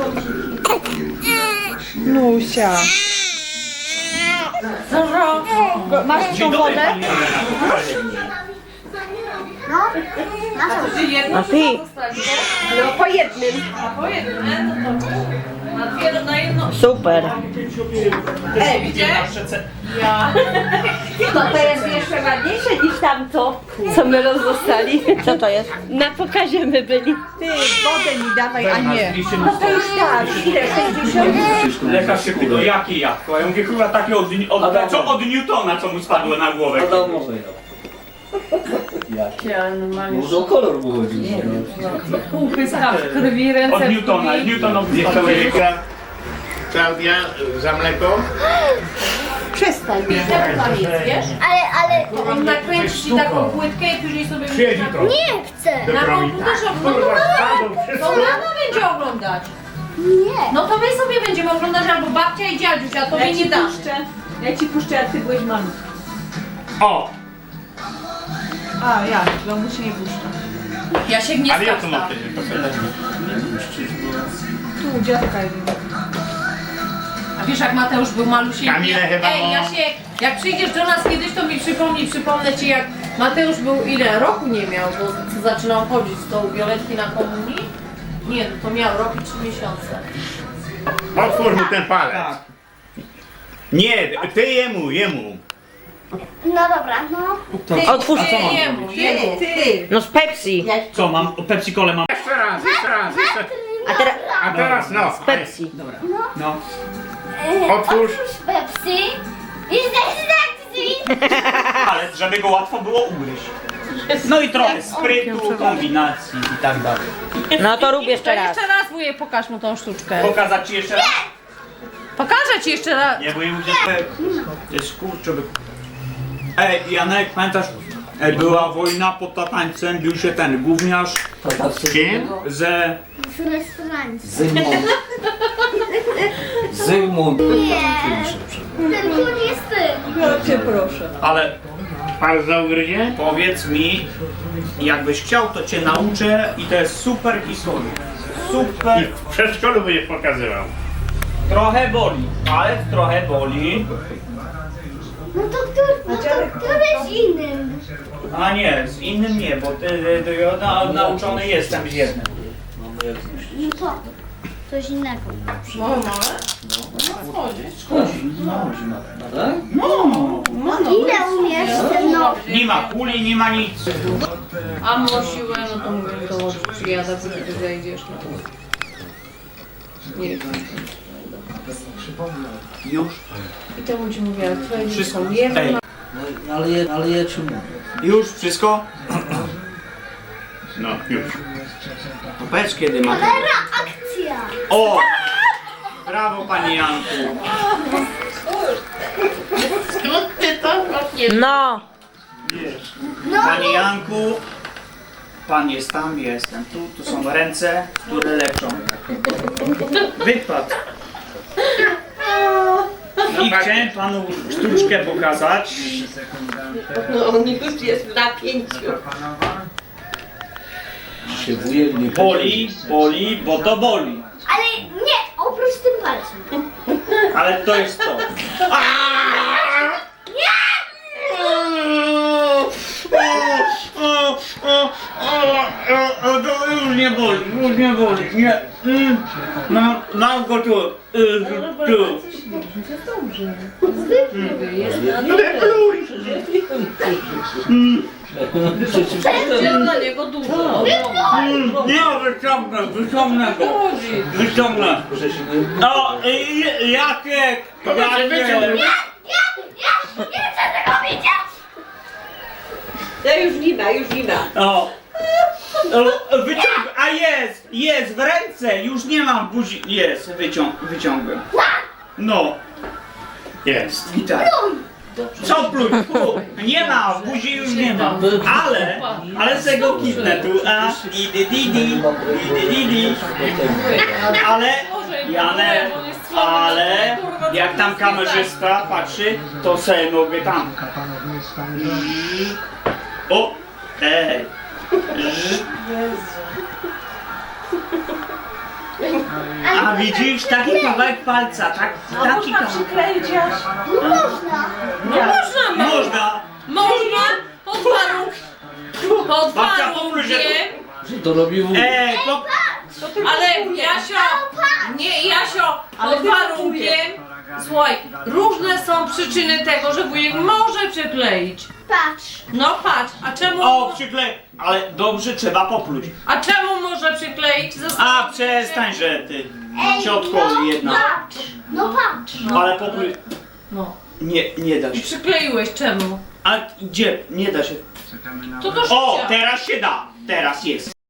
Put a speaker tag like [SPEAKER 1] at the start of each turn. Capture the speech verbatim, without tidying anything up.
[SPEAKER 1] Nusia. Masz tą wodę?
[SPEAKER 2] A ty?
[SPEAKER 1] No po jednym.
[SPEAKER 3] Po jednym, no to na dwie, na jedno.
[SPEAKER 2] Super.
[SPEAKER 3] Ej, widzisz? Ja.
[SPEAKER 1] To to jest jeszcze ładniejsze niż tamto, co my rozdostali.
[SPEAKER 2] Co to jest?
[SPEAKER 1] Na pokazie my byli. Ty, wodę mi dawaj, a nie. No to już tak, ile? sześćdziesiąt?
[SPEAKER 4] Lekarz się pytał, jakie jabłko? Ja mówię, chyba takie od, od, co od Newtona, co mu spadło na głowę.
[SPEAKER 5] Adamowe
[SPEAKER 3] Ja normalnie.
[SPEAKER 5] Może o kolor mu chodzi.
[SPEAKER 3] Półpyska w krwi, ręce
[SPEAKER 4] Od
[SPEAKER 3] w
[SPEAKER 4] Newtona,
[SPEAKER 3] krwi.
[SPEAKER 4] Newtonowi
[SPEAKER 6] Nie
[SPEAKER 4] spadło.
[SPEAKER 6] chcę Klaudia za mleko?
[SPEAKER 1] Przestań.
[SPEAKER 3] Jak tam jest, wiesz?
[SPEAKER 7] Ale, ale...
[SPEAKER 3] To on nakręci ci taką płytkę i później sobie...
[SPEAKER 6] Przyjedź jutro.
[SPEAKER 7] Nie chcę!
[SPEAKER 3] Na komputerze oglądać. To mama będzie oglądać.
[SPEAKER 7] Nie!
[SPEAKER 3] No to my sobie będziemy oglądać albo babcia i dziadziuś, a tobie nie dam.
[SPEAKER 1] Ja ci puszczę, jak ty byłeś malutki.
[SPEAKER 4] O!
[SPEAKER 1] A, ja, bo mu się nie puszcza.
[SPEAKER 3] Ja się nie
[SPEAKER 4] Ale ja to
[SPEAKER 3] skapam.
[SPEAKER 4] mam wtedy.
[SPEAKER 1] Tu, dziadka jest.
[SPEAKER 3] A wiesz jak Mateusz był malusieńki?
[SPEAKER 6] Kamile chyba
[SPEAKER 3] Ej,
[SPEAKER 6] ma-
[SPEAKER 3] Jasiek, jak przyjdziesz do nas kiedyś, to mi przypomnij, przypomnę ci jak Mateusz był ile? Roku nie miał, bo zaczynał chodzić z tą Violetki na komunii? Nie, no to miał rok i trzy miesiące.
[SPEAKER 6] Otwórz mu ten palec.
[SPEAKER 4] Tak. Nie, ty jemu, jemu.
[SPEAKER 7] No dobra, no.
[SPEAKER 3] Ty,
[SPEAKER 2] Otwórz.
[SPEAKER 3] ty, jemu, jemu.
[SPEAKER 1] Ty.
[SPEAKER 2] No z Pepsi.
[SPEAKER 4] Co mam? Pepsi Colę mam.
[SPEAKER 6] Jeszcze raz, jeszcze raz, jeszcze.
[SPEAKER 2] A teraz
[SPEAKER 6] A teraz no.
[SPEAKER 2] z Pepsi.
[SPEAKER 4] No.
[SPEAKER 6] Otwórz.
[SPEAKER 7] Pepsi. I tak,
[SPEAKER 4] Ale żeby go łatwo było ugryźć. No i trochę sprytu, kombinacji i tak dalej.
[SPEAKER 2] No to rób
[SPEAKER 3] To
[SPEAKER 2] jeszcze raz.
[SPEAKER 3] jeszcze raz wujek, pokaż mu tą sztuczkę.
[SPEAKER 4] Pokazać ci jeszcze raz?
[SPEAKER 3] Pokażę ci jeszcze raz.
[SPEAKER 4] Nie, bo ja mówię, to jest kurczę. by- Ej, Janek, pamiętasz? Ej, była wojna pod Tatańcem, bił się ten gówniarz
[SPEAKER 6] Kim?
[SPEAKER 4] ze...
[SPEAKER 7] Z restauracji.
[SPEAKER 5] Zygmunt. Zygmunt.
[SPEAKER 7] Nie. Ten tu nie jest ty.
[SPEAKER 1] Ja cię proszę.
[SPEAKER 4] Ale
[SPEAKER 6] Palec za ugryzie?
[SPEAKER 4] powiedz mi, jakbyś chciał, to cię nauczę i to jest super historia. Super.
[SPEAKER 6] W przedszkolu będziesz pokazywał.
[SPEAKER 4] Trochę boli, ale trochę boli.
[SPEAKER 7] No to który, no to który z innym?
[SPEAKER 4] A nie, z innym nie, bo ty, ty, ty, ja na, nauczony jestem z jednym.
[SPEAKER 7] No to. Coś innego.
[SPEAKER 3] No, małe?
[SPEAKER 5] Tak?
[SPEAKER 7] Ile umiesz ten no?
[SPEAKER 4] Nie ma kuli, nie ma nic.
[SPEAKER 3] A mo siłę, no to mówię, to przyjada, bo ty zejdziesz. No. Nie wiem.
[SPEAKER 4] Już?
[SPEAKER 3] I to mu ci mówię, ale twoje dzieci
[SPEAKER 4] Wszystko.
[SPEAKER 3] są jedno.
[SPEAKER 4] Ej,
[SPEAKER 5] No, ale, je, ale ja ci mówię.
[SPEAKER 4] już wszystko?
[SPEAKER 6] No, już.
[SPEAKER 4] To powiedz kiedy ma.
[SPEAKER 7] Cholera, akcja!
[SPEAKER 4] O! Brawo panie Janku.
[SPEAKER 2] No.
[SPEAKER 4] Panie Janku. Pan jest tam, jestem tu. Tu są ręce, które leczą. Wypadł. I chciałem panu sztuczkę pokazać.
[SPEAKER 1] No on już jest w napięciu.
[SPEAKER 5] Się wujek nie
[SPEAKER 4] Boli, boli, bo to boli.
[SPEAKER 7] Ale nie, oprócz tym palcem.
[SPEAKER 4] Ale to jest to. To już nie boli, już nie boli, nie. Mm. Mam, mam go tu, y, tu.
[SPEAKER 3] Wziął na niego dużo.
[SPEAKER 4] Mm. Nie, wyciągnę, wyciągnę go. Wyciągnę. O, y, Jacek, Jacek.
[SPEAKER 1] Ja już nie ma, już nie ma.
[SPEAKER 4] O. O, wyciąg... A jest, jest, w ręce, już nie mam w buzi. Jest, wyciąg... wyciągłem. No. Jest. I tak. Co pluj? Fu. Nie ma, w buzi już nie ma. Ale, ale se go kitnę tu. A, di di di di, di di di di. Ale, Janek, ale, jak tam kamerzysta patrzy, to se mogę tam. O, ej. A widzisz, taki kawałek palca, tak,
[SPEAKER 1] A
[SPEAKER 4] taki
[SPEAKER 1] można
[SPEAKER 4] kawałek.
[SPEAKER 1] przykleić aż.
[SPEAKER 7] No można.
[SPEAKER 3] No można, ma-
[SPEAKER 4] Można.
[SPEAKER 3] można, pod warunkiem, pod
[SPEAKER 4] Babcia, popluj, że
[SPEAKER 3] warunkiem,
[SPEAKER 5] Że to robi wół.
[SPEAKER 4] Ej, to...
[SPEAKER 1] To tylko
[SPEAKER 3] ale
[SPEAKER 1] wujek.
[SPEAKER 3] Jasio, nie Jasio,
[SPEAKER 1] Ale
[SPEAKER 3] pod
[SPEAKER 1] tylko
[SPEAKER 3] warunkiem, słuchaj, różne są przyczyny tego, że wujek może przykleić.
[SPEAKER 7] Patrz.
[SPEAKER 3] No patrz, a czemu,
[SPEAKER 4] O, przyklej. Ale dobrze, trzeba popluć.
[SPEAKER 3] a czemu może przykleić?
[SPEAKER 4] A, przestań, że ty. Ciotko jedna.
[SPEAKER 7] Patrz. No patrz.
[SPEAKER 4] Ale popluj.
[SPEAKER 3] No,
[SPEAKER 4] Nie, nie da
[SPEAKER 3] i
[SPEAKER 4] się.
[SPEAKER 3] przykleiłeś, czemu?
[SPEAKER 4] A gdzie? Nie da się.
[SPEAKER 3] To do
[SPEAKER 4] O,
[SPEAKER 3] szycia.
[SPEAKER 4] teraz się da. Teraz jest.